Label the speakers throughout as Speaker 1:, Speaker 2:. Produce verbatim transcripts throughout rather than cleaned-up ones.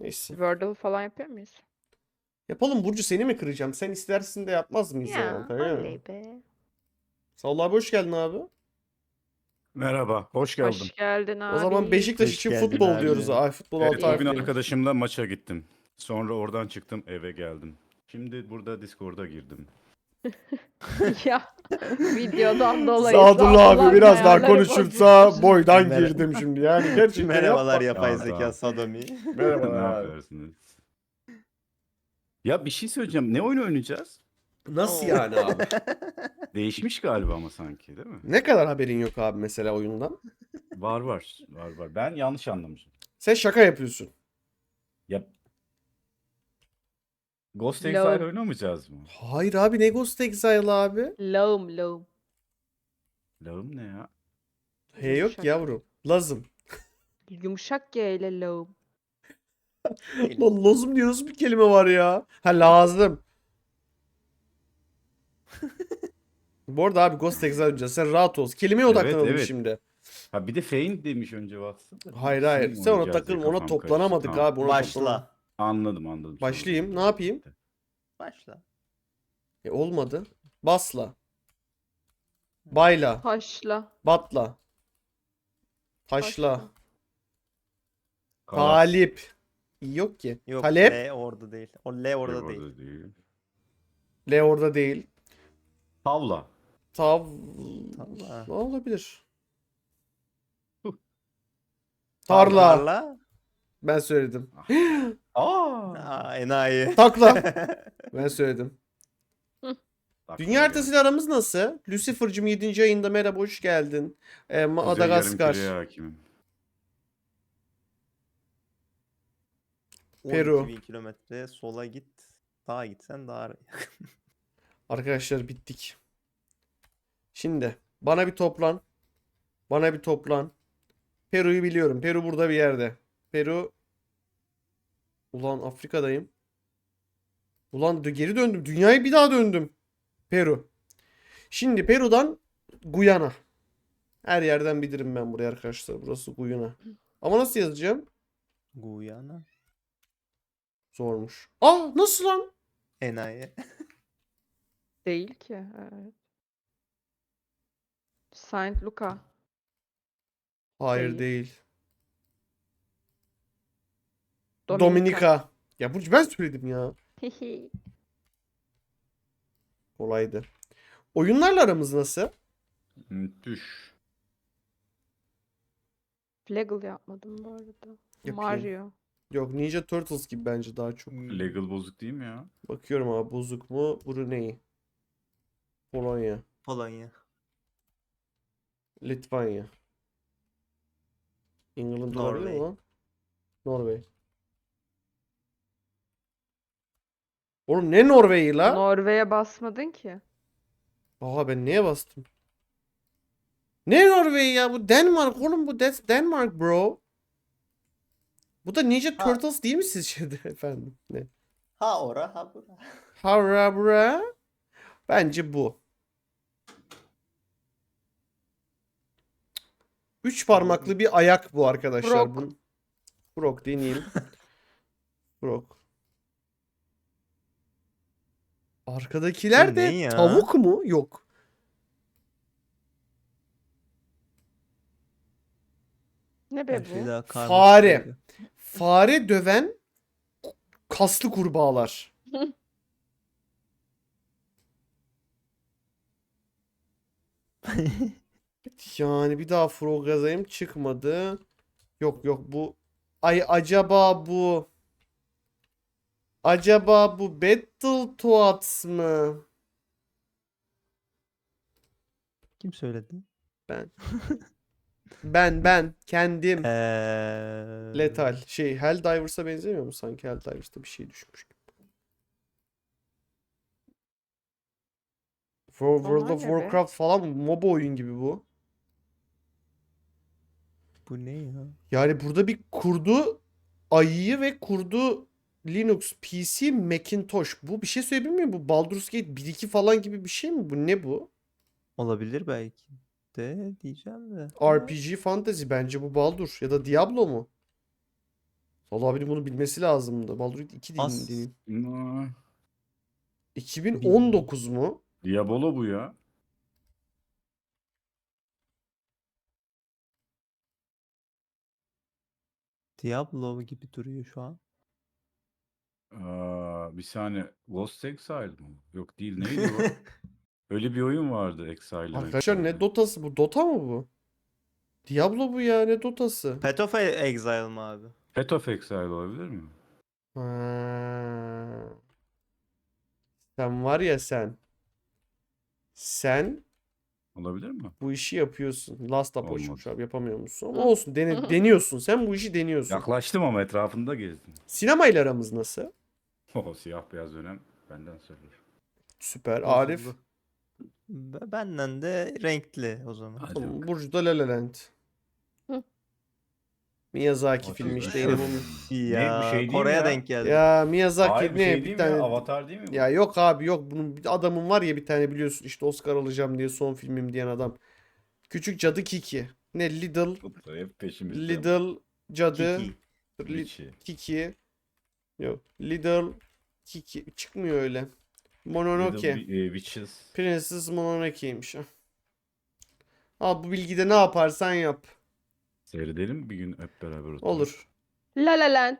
Speaker 1: Neyse.
Speaker 2: Wordle falan yapıyor muyuz?
Speaker 1: Yapalım Burcu, seni mi kıracağım? Sen istersin de yapmaz mıyız yani?
Speaker 2: Ya
Speaker 1: Anlatabiliyor muyum?
Speaker 2: oley be.
Speaker 1: Sağ ol abi, hoş geldin abi.
Speaker 3: Merhaba, hoş
Speaker 2: Hoş
Speaker 3: geldim.
Speaker 2: geldin
Speaker 1: O zaman
Speaker 2: abi.
Speaker 1: Beşiktaş
Speaker 4: Hoş
Speaker 1: için
Speaker 4: geldin
Speaker 1: futbol diyoruz.
Speaker 4: abi.
Speaker 1: Ay futbol
Speaker 3: Evet,
Speaker 1: altı
Speaker 3: bugün
Speaker 1: harfliymiş.
Speaker 3: arkadaşımla maça gittim. Sonra oradan çıktım, eve geldim. Şimdi burada Discord'a girdim.
Speaker 2: Ya videodan dolayı
Speaker 1: Sadullah abi
Speaker 2: Sadullah
Speaker 1: biraz daha
Speaker 2: ayarları
Speaker 1: konuşursa
Speaker 2: bozulmuş.
Speaker 1: boydan
Speaker 4: Mer-
Speaker 1: girdim şimdi. Yani gerçekten
Speaker 4: Merhabalar
Speaker 1: yapma.
Speaker 4: yapay
Speaker 3: Ya,
Speaker 4: zeka
Speaker 3: tamam.
Speaker 4: Sadomi.
Speaker 3: Ne
Speaker 1: Merhabalar abi.
Speaker 3: yapıyorsunuz? Ya bir şey söyleyeceğim. Ne oyun oynayacağız?
Speaker 1: Nasıl
Speaker 2: Oo.
Speaker 1: yani abi?
Speaker 3: Değişmiş galiba ama sanki, değil mi?
Speaker 1: Ne kadar haberin yok abi mesela oyundan?
Speaker 3: Var var, var var. Ben yanlış anlamışım.
Speaker 1: Sen şaka yapıyorsun.
Speaker 3: Ya Ghost
Speaker 2: Lol.
Speaker 3: Exile oynamayacağız mı?
Speaker 1: Hayır abi, ne Ghost Exile abi?
Speaker 2: Lağım lağım.
Speaker 3: Lağım ne ya?
Speaker 1: He yok
Speaker 2: Yumuşak.
Speaker 1: yavrum. Lazım.
Speaker 2: Yumuşak G ile lağım.
Speaker 1: Lan lazım diye nasıl bir kelime var ya? Ha, lazım. Bu arada abi Ghost Exile oynayacağız. Sen rahat ol. Kelimeye
Speaker 3: Evet,
Speaker 1: odaklanalım
Speaker 3: evet.
Speaker 1: şimdi.
Speaker 3: Ha bir de Feint demiş önce Watson.
Speaker 1: Hayır hayır.
Speaker 3: İkisini mi
Speaker 1: Sen ona
Speaker 3: oynayacağız diye
Speaker 1: takılma. Ona
Speaker 3: kafam
Speaker 1: toplanamadık
Speaker 3: karıştı. Tamam.
Speaker 1: abi. Ona toplanamadık.
Speaker 4: Başla.
Speaker 3: Anladım anladım. Sonra
Speaker 1: Başlayayım.
Speaker 3: oldu.
Speaker 1: Ne yapayım?
Speaker 4: Başla.
Speaker 1: E, olmadı. Basla. Bayla.
Speaker 2: Taşla.
Speaker 1: Batla. Taşla.
Speaker 2: Taşla.
Speaker 3: Kalas.
Speaker 1: Talip. Yok ki.
Speaker 4: Yok
Speaker 1: Talep.
Speaker 4: L orada değil. O L orada
Speaker 3: Yok,
Speaker 4: değil.
Speaker 3: orada değil.
Speaker 1: L orada değil.
Speaker 3: Tavla.
Speaker 1: Tav...
Speaker 4: Tarla.
Speaker 1: Ne olabilir?
Speaker 3: Huh.
Speaker 1: Tarla.
Speaker 4: Tarla.
Speaker 1: Ben söyledim.
Speaker 3: Aa.
Speaker 4: Aa, enayi.
Speaker 1: Takla. Ben söyledim.
Speaker 3: Bak,
Speaker 1: Dünya
Speaker 3: böyle.
Speaker 1: haritasıyla aramız nasıl? Lucifer'cım yedinci ayında merhaba, hoş geldin. Ee,
Speaker 3: Kuzey
Speaker 1: Madagaskar.
Speaker 3: yarımküreye hakimim.
Speaker 1: Peru.
Speaker 4: on iki bin kilometre sola git. Sağa gitsen daha yakın.
Speaker 1: Arkadaşlar bittik. Şimdi bana bir toplan. Bana bir toplan. Peru'yu biliyorum. Peru burada bir yerde. Peru. Ulan Afrika'dayım. Ulan dö- geri döndüm. Dünyayı bir daha döndüm. Peru. Şimdi Peru'dan Guyana. Her yerden bilirim ben burayı arkadaşlar. Burası Guyana. Ama nasıl yazacağım?
Speaker 4: Guyana.
Speaker 1: Zormuş. Ah, nasıl lan?
Speaker 4: Enayi.
Speaker 2: Değil ki. Evet. Saint Luca.
Speaker 1: Hayır
Speaker 2: Değil.
Speaker 1: değil.
Speaker 2: Dominika.
Speaker 1: Dominika. Ya Burcu, ben söyledim ya.
Speaker 2: Hihi.
Speaker 1: Kolaydı. Oyunlarla aramız nasıl?
Speaker 3: Müthiş.
Speaker 2: Flaggle yapmadım bu arada.
Speaker 1: Yapayım.
Speaker 2: Mario.
Speaker 1: Yok, Ninja Turtles gibi bence daha çok.
Speaker 3: Legal bozuk değil mi ya?
Speaker 1: Bakıyorum abi, bozuk mu? Brunei. Polonya.
Speaker 4: Polonya.
Speaker 1: Litvanya. England olabilir mi
Speaker 4: Norveç.
Speaker 1: lan? Norveç. Oğlum ne Norveç'i la?
Speaker 2: Norve'ye basmadın ki.
Speaker 1: Aa, ben neye bastım? Ne Norveç ya? Bu Denmark oğlum, bu that's Denmark bro. Bu da Ninja
Speaker 4: Ha.
Speaker 1: Turtles değil mi sizce de efendim? Ne?
Speaker 4: Ha ora ha bura.
Speaker 1: Harabra. Bence bu. Üç parmaklı bir ayak bu arkadaşlar.
Speaker 2: Frog.
Speaker 1: Bu... Frog deneyeyim. Frog. Arkadakiler
Speaker 4: Bu
Speaker 1: de
Speaker 4: ne ya?
Speaker 1: tavuk mu? Yok.
Speaker 2: Ne be
Speaker 4: Her şey
Speaker 2: bu?
Speaker 4: daha karmaşık
Speaker 1: Fare.
Speaker 4: geliyor.
Speaker 1: Fare döven kaslı kurbağalar. Yani bir daha frog yazayım, çıkmadı. Yok yok, bu. Ay acaba bu. Acaba bu Battletoads mı?
Speaker 4: Kim söyledi?
Speaker 1: Ben. Ben ben kendim.
Speaker 4: Eee...
Speaker 1: Lethal. Şey, Helldivers'a benzemiyor mu sanki? Helldivers'ta bir şey düşmüş. For World
Speaker 2: Onlar
Speaker 1: of
Speaker 2: ne be?
Speaker 1: Warcraft falan MOBA oyun gibi bu.
Speaker 4: Bu ne ya?
Speaker 1: Yani burada bir kurdu ayıyı ve kurdu Linux, P C, Macintosh. Bu bir şey söyleyebilir miyim? Bu Baldur's Gate bir iki falan gibi bir şey mi? Bu ne bu?
Speaker 4: Olabilir belki de diyeceğim de.
Speaker 1: R P G Fantasy, bence bu Baldur ya da Diablo mu? Vallahi benim bunu bilmesi lazımdı. Baldur's Gate iki
Speaker 4: As-
Speaker 1: değil.
Speaker 3: Aa,
Speaker 1: iki bin on dokuz mu?
Speaker 3: Diabolo bu ya.
Speaker 4: Diablo gibi duruyor şu an.
Speaker 3: Aa, bir saniye. Lost Exile mı? Yok değil. Neydi o? Öyle bir oyun vardı Exile.
Speaker 1: Arkadaşlar ne Dota'sı bu? Dota mı bu? Diablo bu ya, ne Dota'sı?
Speaker 4: Path of Exile mi abi?
Speaker 3: Path of Exile olabilir mi?
Speaker 1: Ha. Sen var ya sen. Sen
Speaker 3: Olabilir mi?
Speaker 1: bu işi yapıyorsun. Last Apo'ymuş
Speaker 3: Olmadı.
Speaker 1: abi, yapamıyor musun? Ama olsun, dene- deniyorsun. Sen bu işi deniyorsun.
Speaker 3: Yaklaştım ama etrafında gezdim.
Speaker 1: Sinemayla aramız nasıl?
Speaker 3: O siyah beyaz dönem benden sorulur.
Speaker 1: Süper.
Speaker 4: Bozuldu.
Speaker 1: Arif.
Speaker 4: Be- Benden de renkli o zaman.
Speaker 3: Hadi
Speaker 1: Tamam,
Speaker 3: bakalım.
Speaker 1: Burcu da La La Land.
Speaker 2: Hı.
Speaker 1: Miyazaki
Speaker 3: Hadi
Speaker 1: filmi işte
Speaker 3: bakalım.
Speaker 1: yine bu.
Speaker 4: Ya
Speaker 3: bu şey değil mi
Speaker 4: Kore'ye
Speaker 3: ya?
Speaker 4: denk geldi.
Speaker 1: Ya Miyazaki
Speaker 3: Hayır bir
Speaker 1: ne
Speaker 3: şey
Speaker 1: bir
Speaker 3: değil mi
Speaker 1: tane.
Speaker 3: ya? Avatar değil mi bu?
Speaker 1: Ya yok abi yok, bunun bir adamın var ya bir tane, biliyorsun işte Oscar alacağım diye son filmim diyen adam. Küçük Cadı Kiki. Ne Little
Speaker 3: Mutlu, hep peşimizde.
Speaker 1: Little Cadı
Speaker 4: Kiki.
Speaker 1: Li-
Speaker 3: Richie.
Speaker 1: Kiki. Yok. Little Kiki çıkmıyor öyle. Mononoke.
Speaker 3: Little Wi- e, Witches.
Speaker 1: Princess Mononoke'ymiş. Al bu bilgide ne yaparsan yap.
Speaker 3: Seyredelim mi bir gün hep beraber oturup?
Speaker 1: Olur.
Speaker 2: La La Land.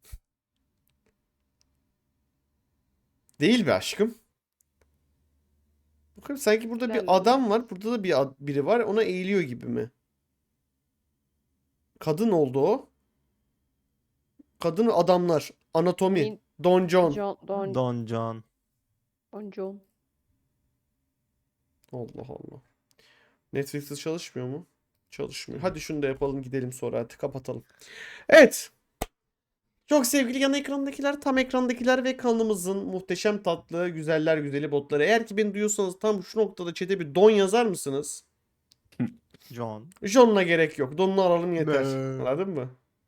Speaker 1: Değil be aşkım. Bakın sanki burada
Speaker 2: La
Speaker 1: bir
Speaker 2: La
Speaker 1: adam var. Burada da bir ad- biri var. Ona eğiliyor gibi mi? Kadın oldu o. Kadın adamlar. Anatomi.
Speaker 2: Min-
Speaker 1: Don John.
Speaker 2: John, Don,
Speaker 4: Don John.
Speaker 2: Don John.
Speaker 1: Allah Allah. Netflix'te çalışmıyor mu? Çalışmıyor. Hadi şunu da yapalım gidelim sonra, hadi kapatalım. Evet. Çok sevgili yan ekrandakiler, tam ekrandakiler ve kanalımızın muhteşem tatlı, güzeller güzeli botları. Eğer ki beni duyuyorsanız tam şu noktada chat'e bir don yazar mısınız?
Speaker 4: John.
Speaker 1: John'la gerek yok. Don'unu alalım yeter.
Speaker 4: Be.
Speaker 1: Anladın mı?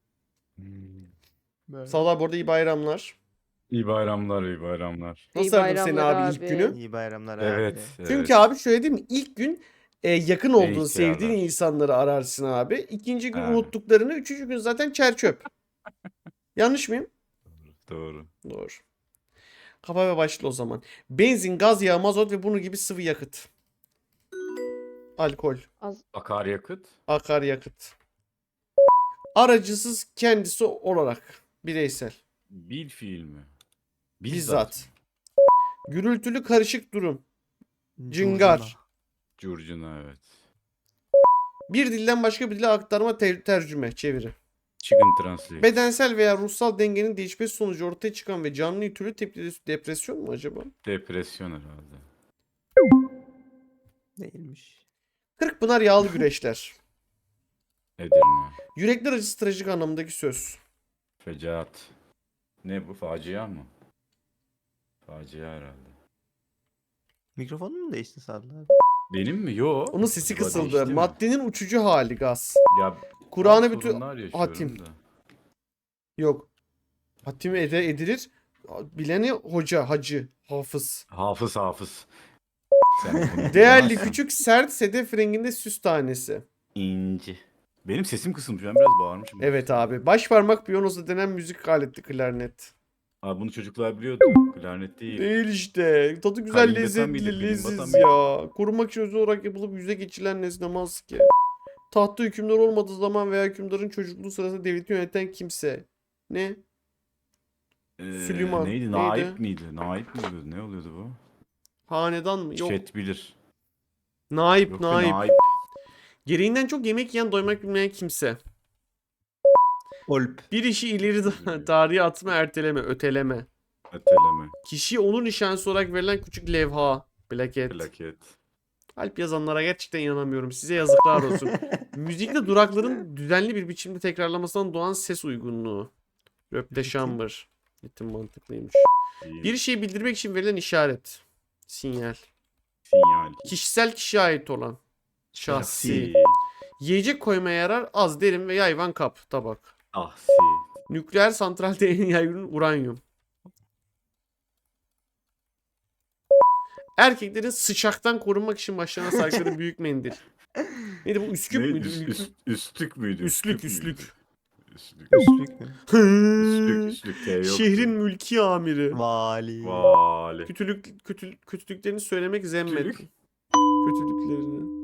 Speaker 3: Hmm.
Speaker 1: Sağlar bu arada iyi bayramlar.
Speaker 3: İyi bayramlar, iyi bayramlar.
Speaker 1: Nasıl
Speaker 2: İyi
Speaker 1: aradın seni
Speaker 2: bayramlar
Speaker 1: abi ilk
Speaker 2: abi.
Speaker 1: günü?
Speaker 4: İyi bayramlar
Speaker 3: Evet,
Speaker 4: abi.
Speaker 3: evet.
Speaker 1: Çünkü abi şöyle değil mi? İlk gün e, yakın olduğun,
Speaker 3: ihtiyarlar.
Speaker 1: sevdiğin insanları ararsın abi. İkinci gün
Speaker 3: Ha.
Speaker 1: unuttuklarını, üçüncü gün zaten çer çöp. Yanlış mıyım?
Speaker 3: Doğru.
Speaker 1: Doğru. Kapa ve başla o zaman. Benzin, gaz yağı, mazot ve bunun gibi sıvı yakıt. Alkol,
Speaker 2: Az.
Speaker 3: Akaryakıt.
Speaker 1: akaryakıt. Aracısız kendisi olarak. Bireysel.
Speaker 3: Bil fiil mi?
Speaker 1: Bizzat. Gürültülü karışık durum.
Speaker 4: Curcuna.
Speaker 1: Cıngar.
Speaker 3: Curcuna evet.
Speaker 1: Bir dilden başka bir dile aktarma, ter- tercüme, çeviri.
Speaker 3: Chicken Translate.
Speaker 1: Bedensel veya ruhsal dengenin değişmesi sonucu ortaya çıkan ve canlı türlü tepkili depresyon mu acaba?
Speaker 3: Depresyon herhalde.
Speaker 4: Değilmiş.
Speaker 1: Kırkpınar yağlı güreşler.
Speaker 3: Edirne.
Speaker 1: Yürekler acısı trajik anlamındaki söz.
Speaker 3: Fecaat. Ne bu? Facia mı? Facia herhalde.
Speaker 4: Mikrofonun mu değişti Sadlı abi?
Speaker 3: Benim mi? Yo.
Speaker 1: Onun sesi
Speaker 3: Acaba
Speaker 1: kısıldı.
Speaker 3: değişti mi?
Speaker 1: Maddenin uçucu hali gaz.
Speaker 3: Ya
Speaker 1: Kur'an'ı
Speaker 3: bazı
Speaker 1: bütün
Speaker 3: sorunlar yaşıyorum
Speaker 1: hatim.
Speaker 3: da.
Speaker 1: Yok. Hatim ede edilir. Bileni hoca, hacı, hafız.
Speaker 3: Hafız hafız. Sen bunu
Speaker 1: Değerli
Speaker 3: bilemezsin.
Speaker 1: küçük sert sedef renginde süs tanesi.
Speaker 3: İnci. Benim sesim kısılmış. Ben biraz bağırmışım.
Speaker 1: Evet abi. Baş parmak piyanosu denen müzik aleti klarnet.
Speaker 3: Abi bunu çocuklar biliyordu. Klarnet değil.
Speaker 1: Değil işte. Tadı güzel,
Speaker 3: Kalimbatan
Speaker 1: lezzetli,
Speaker 3: mıydı,
Speaker 1: leziz
Speaker 3: kalimbatan
Speaker 1: ya. Korumak için özel olarak yapılıp yüze geçirilen nesne maske. Tahtta hükümdar olmadığı zaman veya hükümdarın çocukluğu sırasında devleti yöneten kimse. Ne?
Speaker 3: Ee,
Speaker 1: Süleyman.
Speaker 3: Neydi?
Speaker 1: Neydi?
Speaker 3: Naip miydi? Naip mi oluyordu? Ne oluyordu bu?
Speaker 1: Hanedan mı? Yok.
Speaker 3: Chat bilir.
Speaker 1: Naip,
Speaker 3: Yok be,
Speaker 1: naip.
Speaker 3: naip.
Speaker 1: Gereğinden çok yemek yiyen, doymak bilmeyen kimse.
Speaker 4: Olp.
Speaker 1: Bir işi ileri da- tarihe atma, erteleme, öteleme.
Speaker 3: Öteleme.
Speaker 1: Kişiye onur nişanesi olarak verilen küçük levha. Plaket.
Speaker 3: Plaket.
Speaker 1: Alp yazanlara gerçekten inanamıyorum. Size yazıklar olsun. Müzikle durakların düzenli bir biçimde tekrarlamasından doğan ses uygunluğu. Röpte şambır. Ritim mantıklıymış.
Speaker 3: Değil.
Speaker 1: Bir şeyi bildirmek için verilen işaret. Sinyal.
Speaker 3: Sinyal.
Speaker 1: Kişisel kişiye ait olan. Şahsi.
Speaker 3: Şahsi.
Speaker 1: Yiyecek koymaya yarar az, derin ve yayvan kap, tabak.
Speaker 3: Ahsi.
Speaker 1: Nükleer santralde en yaygın uranyum. Erkeklerin sıçaktan korunmak için başlarına sarkıları büyük mendil. Neydi bu? Üsküp
Speaker 3: Neydi?
Speaker 1: müydü?
Speaker 3: Üst-
Speaker 1: Ülkü-
Speaker 3: üst- üstlük müydü?
Speaker 1: Üstlük,
Speaker 3: müydü?
Speaker 1: üstlük.
Speaker 3: Üstlük.
Speaker 4: Üstlük mü?
Speaker 3: Üstlük, üstlük. T yoktu.
Speaker 1: Şehrin mülki amiri.
Speaker 4: Vali.
Speaker 3: Vali.
Speaker 1: Kötülük, kötü, kötülüklerini söylemek zemmet.
Speaker 3: Kötülük?
Speaker 1: Kötülüklerini.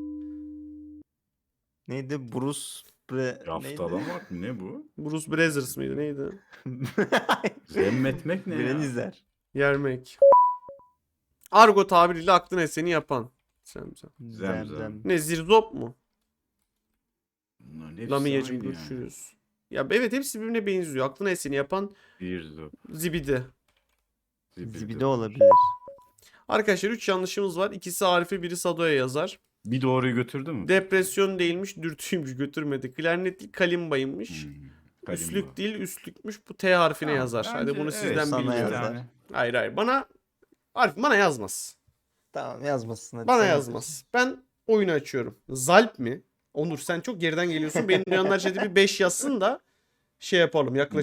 Speaker 4: Neydi? Bruce Bre...
Speaker 3: Yaftalamak mı? Ne bu?
Speaker 1: Bruce Brothers mıydı neydi?
Speaker 4: neydi?
Speaker 3: Zemmetmek ne ya?
Speaker 4: Brenizer.
Speaker 1: Yermek. Argo tabiriyle aklına eseni yapan. Zemzem.
Speaker 3: Zemzem.
Speaker 4: Zemzem.
Speaker 1: Ne zirzop mu?
Speaker 3: Bunların hepsi
Speaker 1: Lamiyeciğim
Speaker 3: aynı yani.
Speaker 1: görüşürüz. Ya evet hepsi birbirine benziyor. Aklına eseni yapan
Speaker 3: Bir zop.
Speaker 1: zibidi.
Speaker 4: Zibide olabilir.
Speaker 1: Arkadaşlar üç yanlışımız var. İkisi Arif'e biri Sado'ya yazar.
Speaker 3: Bir doğruyu götürdü mü?
Speaker 1: Depresyon değilmiş, dürtüymüş, götürmedi. Klarnet değil, kalimbaymış.
Speaker 3: Hmm, kalimba.
Speaker 1: Üstlük değil, üstlükmüş. Bu T harfine
Speaker 3: Tamam,
Speaker 1: yazar. Hadi
Speaker 3: bence
Speaker 1: bunu
Speaker 3: evet,
Speaker 1: sizden
Speaker 4: sana
Speaker 1: bilmiyorum.
Speaker 4: yazar.
Speaker 3: Yani.
Speaker 1: Hayır hayır. Bana Arif bana yazmaz.
Speaker 4: Tamam yazmasın hadi.
Speaker 1: Bana
Speaker 4: sen
Speaker 1: yazmaz. Ben oyunu açıyorum. Zalp mi? Onur sen çok geriden geliyorsun. Benim duyanlar chat'i bir beş yazsın da şey yapalım. Yaklaşık